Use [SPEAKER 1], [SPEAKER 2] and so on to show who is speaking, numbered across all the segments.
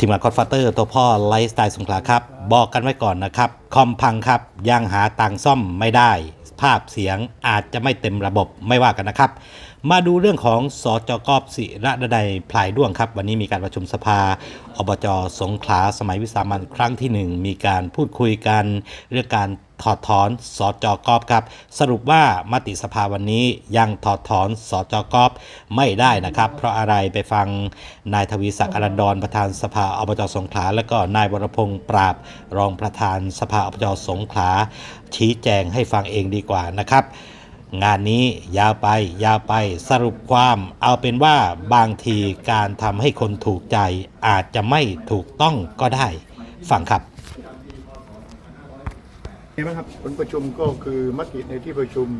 [SPEAKER 1] ทีมงานคอนฟาเตอร์ตัวพ่อไลฟ์สไตล์สงขลาครับบอกกันไว้ก่อนนะครับคอมพังครับยังหาตังซ่อมไม่ได้ภาพเสียงอาจจะไม่เต็มระบบไม่ว่ากันนะครับมาดูเรื่องของสจก.ศิระนัยพลายด้วงครับวันนี้มีการประชุมสภาอบจ.สงขลาสมัยวิสามัญครั้งที่ 1มีการพูดคุยกันเรื่องการถอดถอนสจก.ครับสรุปว่ามติสภาวันนี้ยังถอดถอนสจก.ไม่ได้นะครับเพราะอะไรไปฟังนายทวีศักดิ์อรันดรประธานสภาอบจ.สงขลาและก็นายวรพงษ์ปราบรองประธานสภาอบจ.สงขลาชี้แจงให้ฟังเองดีกว่านะครับงานนี้ยาวไปสรุปความเอาเป็นว่าบางทีการทำให้คนถูกใจอาจจะไม่ถูกต้องก็ได้ฟังครับ
[SPEAKER 2] ไงบ้างครับผลประชุมก็คือมติในที่ประชุม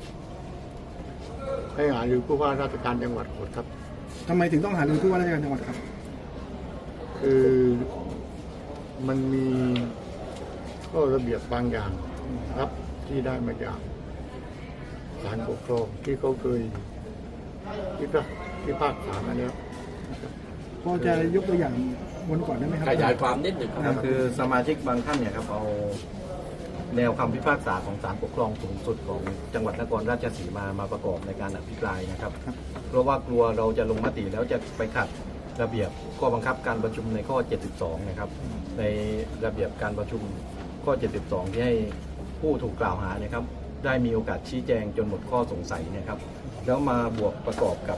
[SPEAKER 2] ให้หารือผู้ว่าราชการจังหวัดหมดครับ
[SPEAKER 3] ทำไมถึงต้องหารือผู้ว่าราชการจังหวัดครับ
[SPEAKER 2] คือมันมีข้อระเบียบบางอย่างครับที่ได้มาจากศาลปกครองที่เขาเคยพิพากษามาแล้ว
[SPEAKER 3] พอจะยกตัวอย่างวันก่อนได้ไหมครับ
[SPEAKER 4] ขยายความนิดหนึ่งครับ
[SPEAKER 5] คือสมาชิกบางท่านเนี่ยครับเอาแนวคำพิพากษาของศาลปกครองสูงสุดของจังหวัดนครราชสีมาประกอบในการอภิปรายนะครับเพราะว่ากลัวเราจะลงมติแล้วจะไปขัดระเบียบข้อบังคับการประชุมในข้อ 72 นะครับในระเบียบการประชุมข้อ 72 ที่ให้ผู้ถูกกล่าวหาเนี่ยครับได้มีโอกาสชี้แจงจนหมดข้อสงสัยนะครับแล้วมาบวกประกอบกับ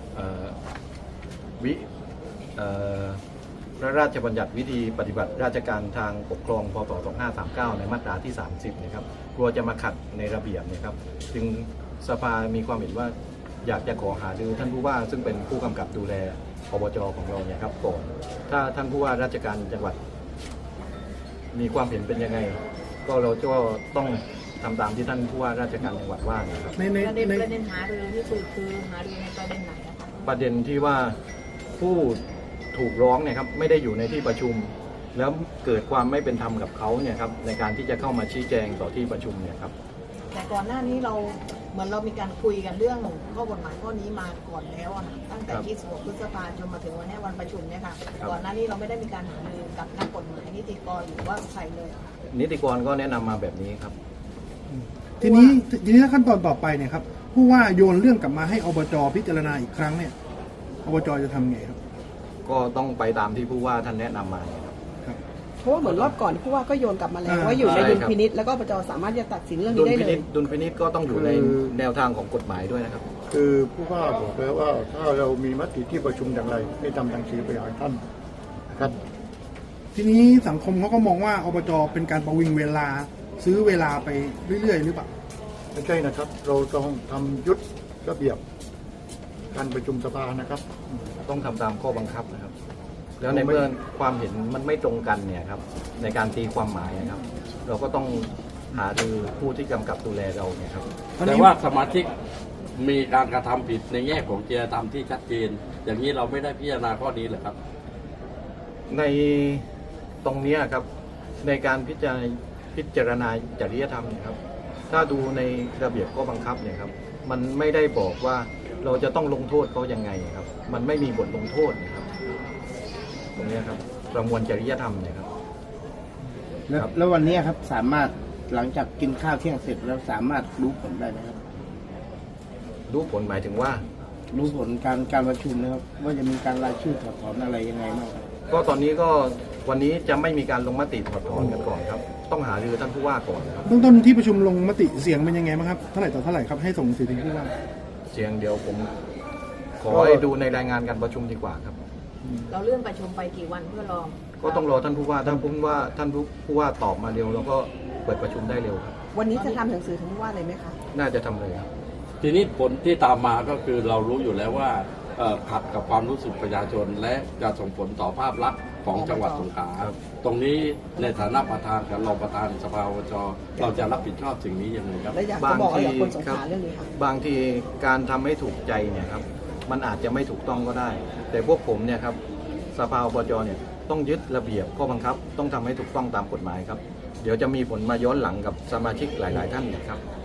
[SPEAKER 5] พระราชบัญญัติวิธีปฏิบัติราชการทางปกครองพ.ศ. 2539 ในมาตราที่ 30 นะครับกลัวจะมาขัดในระเบียบนะครับจึงสภามีความเห็นว่าอยากจะขอหารือท่านผู้ว่าซึ่งเป็นผู้กำกับดูแลอบจ.ของเราเนี่ยครับก่อนถ้าท่านผู้ว่าราชการจังหวัดมีความเห็นเป็นยังไงก็เราก็ต้องทำตามที่ท่านผู้ว่าราชการจังหวัดว่านะครับ
[SPEAKER 6] ประเด็นหารือที่คือหารือในประเด็นไหนนะคะ
[SPEAKER 5] ประเด็นที่ว่าผู้ถูกร้องเนี่ยครับไม่ได้อยู่ในที่ประชุมแล้วเกิดความไม่เป็นธรรมกับเขาเนี่ยครับในการที่จะเข้ามาชี้แจงต่อที่ประชุมเนี่ยครับ
[SPEAKER 6] แต่ก่อนหน้านี้เราเหมือนเรามีการคุยกันเรื่องข้อกฎหมายข้อนี้มาก่อนแล้วอะตั้งแต่26 พฤษภาคมจนมาถึงวันนี้วันประชุมเนี่ยค่ะก่อนหน้านี้เราไม่ได้มีการหารือกับนักกฎหมายนิติกรหรือว่าใครเลย
[SPEAKER 5] นิติกรก็แนะนำมาแบบนี้ครับ
[SPEAKER 3] ทีนี้ขั้นตอนต่อไปเนี่ยครับผู้ว่าโยนเรื่องกลับมาให้อบจ.พิจารณาอีกครั้งเนี่ยอบจ.จะทำไงครับ
[SPEAKER 5] ก็ต้องไปตามที่ผู้ว่าท่านแนะนำมา
[SPEAKER 7] ครับเพราะว่าเหมือนรอบก่อนผู้ว่าก็โยนกลับมาแล้วว่าอยู่ในดุลพินิจแล้วก็อบจ.สามารถจะตัดสินเรื่องนี้ได้เลย
[SPEAKER 5] ดุลพินิจก็ต้องอยู่ในแนวทางของกฎหมายด้วยนะครับ
[SPEAKER 2] คือผู้ว่าบอกแล้วว่าถ้าเรามีมติที่ประชุมอย่างไรให้ทำหนังสือไปหาท่านนะครับ
[SPEAKER 3] ทีนี้สังคมเขาก็มองว่าอบจ.เป็นการประวิงเวลาซื้อเวลาไปเรื่อยๆหรือเปล่า
[SPEAKER 2] ไม่ใช่นะครับเราต้องทำยุทธระเบียบการประชุมสภานะครับ
[SPEAKER 5] ต้องทำตามข้อบังคับนะครับแล้วในเมื่อความเห็นมันไม่ตรงกันเนี่ยครับในการตีความหมายนะครับเราก็ต้องหารือผู้ที่กำกับดูแลเราเนี่ยครับ
[SPEAKER 4] แต่ว่าสมาชิกมีการกระทำผิดในแง่ของจริยธรรมที่ชัดเจนอย่างนี้เราไม่ได้พิจารณาข้อนี้เหรอครับ
[SPEAKER 5] ในตรงนี้ครับในการพิจารณาจริยธรรมเนี่ยครับถ้าดูในระเบียบข้อบังคับเนี่ยครับมันไม่ได้บอกว่าเราจะต้องลงโทษเขายังไงครับมันไม่มีบทลงโทษนะครับตรงนี้ครับประมวลจริยธรรมเนี่ยครับ
[SPEAKER 8] แล้ววันนี้ครับสามารถหลังจากกินข้าวเที่ยงเสร็จแล้วสามารถรู้ผลได้ไหมครับ
[SPEAKER 5] รู้ผลหมายถึงว่า
[SPEAKER 8] รู้ผลการประชุมนะครับว่าจะมีการรายชื่อถอดถอนอะไรยังไงบ้าง
[SPEAKER 5] ก็ตอนนี้ก็วันนี้จะไม่มีการลงมติถอดถอนกันก่อนครับต้องหารือท่านผู้ว่าก่อนครับ
[SPEAKER 3] เบื้องต้นที่ประชุมลงมติเสียงเป็นยังไงบ้างครับเท่าไหร่ต่อเท่าไหร่ครับให้ส่งสื่อถึงผู้ว่า
[SPEAKER 5] เสียงเดี๋ยวผมขอให้ดูในรายงานการประชุมดีกว่าครับ
[SPEAKER 6] เราเลื่อนประชุมไปกี่วันเพื่อรอ
[SPEAKER 5] ก็ต้องรอท่านผู้ว่าท่านผู้ว่าตอบมาเร็วแล้วก็เปิดประชุมได้เร็วครับ
[SPEAKER 7] วันนี้จะทำหนังสือถึงผู้ว่าเลยไหมคะ
[SPEAKER 5] น่าจะทำเลยครับ
[SPEAKER 4] ทีนี้ผลที่ตามมาก็คือเรารู้อยู่แล้วว่าขัดกับความรู้สึกประชาชนและจะส่งผลต่อภาพลักษณ์ของจังหวัดสงขลาตรงนี้ในฐานะประธานกับรองประธานสภาอบจ.เราจะรับผิดชอบสิ่งนี้ยังไงครับ
[SPEAKER 7] บางทีครับ
[SPEAKER 5] บางทีการทำให้ถูกใจเนี่ยครับมันอาจจะไม่ถูกต้องก็ได้แต่พวกผมเนี่ยครับสภาอบจ.เนี่ยต้องยึดระเบียบข้อบังคับต้องทำให้ถูกต้องตามกฎหมายครับเดี๋ยวจะมีผลมาย้อนหลังกับสมาชิกหลายๆท่านนะครับ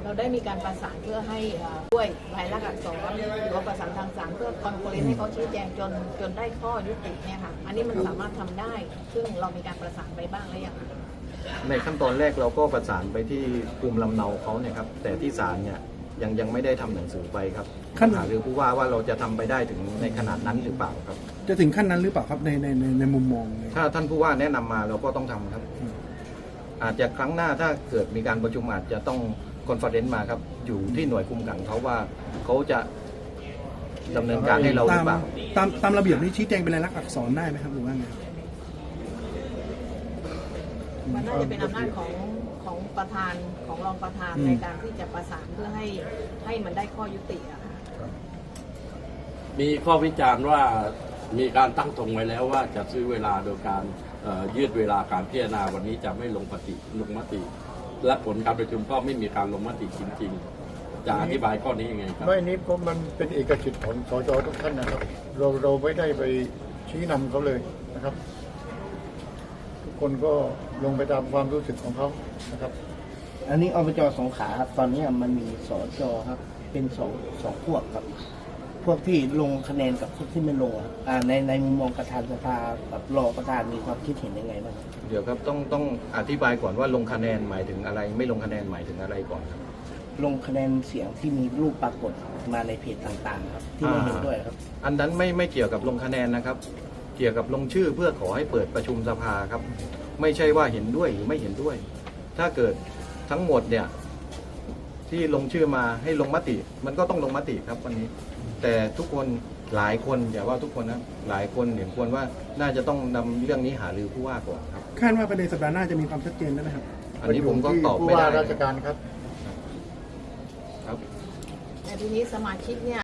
[SPEAKER 6] เราได้มีการประสานเพื่อให้ด้วยรายลักษณ์อักษรหรือว่าประสานทางสารเพื่อคอนโฟเรนซ์ให้เขาชี้แจงจนได้ข้อยุติเนี่ยค่ะอันนี้มันสามารถทำได้ ซึ่งเรามีการประสานไปบ้างหรือยังคะ
[SPEAKER 5] ในขั้นตอนแรกเราก็ประสานไปที่ภูมิลำเนาเขาเนี่ยครับแต่ที่ศาลเนี่ยยังไม่ได้ทำหนังสือไปครับหารือผู้ว่าเราจะทำไปได้ถึงในขนาดนั้นหรือเปล่าครับ
[SPEAKER 3] จะถึงขั้นนั้นหรือเปล่าครับในมุมมองเลย
[SPEAKER 5] ถ้าท่านผู้ว่าแนะนำมาเราก็ต้องทำครับ อาจจะครั้งหน้าถ้าเกิดมีการประชุมอาจจะต้องคอนเฟอเรนซ์มาครับอยู่ที่หน่วยคุมขังเขาว่าเขาจะดำเนินการให้เราหรือเปล่า
[SPEAKER 3] ตามระเบียบนี้ชี้แจงเป็นลายลักษณ์อักษรได้ไหมครับหรือว่าไง
[SPEAKER 6] มันน่าจะเป็นอำนาจของประธานของรองประธานในการที่จะประสานเพื่อให้มันได้ข้อยุติอะค่ะ
[SPEAKER 4] มีข้อวิจารณ์ว่ามีการตั้งธงไว้แล้วว่าจะซื้อเวลาโดยการยืดเวลาการพิจารณาวันนี้จะไม่ลงมติ และผลการประชุมก็ไม่มีการลงมติจริงๆจะอธิบายข้อนี้ยังไงครับ
[SPEAKER 2] ไม่นี้เพราะมันเป็นเอกสิทธิ์ของสจทุกท่านนะครับ เราไม่ได้ไปชี้นำเขาเลยนะครับ ทุกคนก็ลงไปตามความรู้สึกของเขานะครับ
[SPEAKER 8] อันนี้อบจสงขลาครับตอนนี้มันมีสจครับเป็นสองพวกครับ พวกที่ลงคะแนนกับพวกที่ไม่ลงครับในมุมมองประธานสภากับรองประธานมีความคิดเห็นยังไงบ้างครับ
[SPEAKER 5] เดี๋ยวครับต้องอธิบายก่อนว่าลงคะแนนหมายถึงอะไร ไม่ลงคะแนนหมายถึงอะไรก่อนครับ
[SPEAKER 8] ลงคะแนนเสียงที่มีรูปปรากฏมาในเพจต่างๆครับที่ไม่เห็นด้วยครับ
[SPEAKER 5] อันนั้นไม่เกี่ยวกับลงคะแนนนะครับ เกี่ยวกับลงชื่อเพื่อขอให้เปิดประชุมสภาครับ ไม่ใช่ว่าเห็นด้วยหรือไม่เห็นด้วย ถ้าเกิดทั้งหมดเนี่ยที่ลงชื่อมาให้ลงมติ มันก็ต้องลงมติครับวันนี้ แต่ทุกคนหลายคนอย่าว่าทุกคนนะหลายคนเห็นควรว่าน่าจะต้องนำเรื่องนี้หารือผู้ว่าก่อนครับ
[SPEAKER 3] คาดว่าประเด็นสัปดาห์หน้าจะมีความชัดเจนได้ไหมครับ
[SPEAKER 5] อันนี้ผมก็ตอบ
[SPEAKER 2] ผู้
[SPEAKER 5] ไม่ได้
[SPEAKER 2] ว่าราชการครับ
[SPEAKER 5] ครับ
[SPEAKER 6] แต่ทีนี้สมาชิกเนี่ย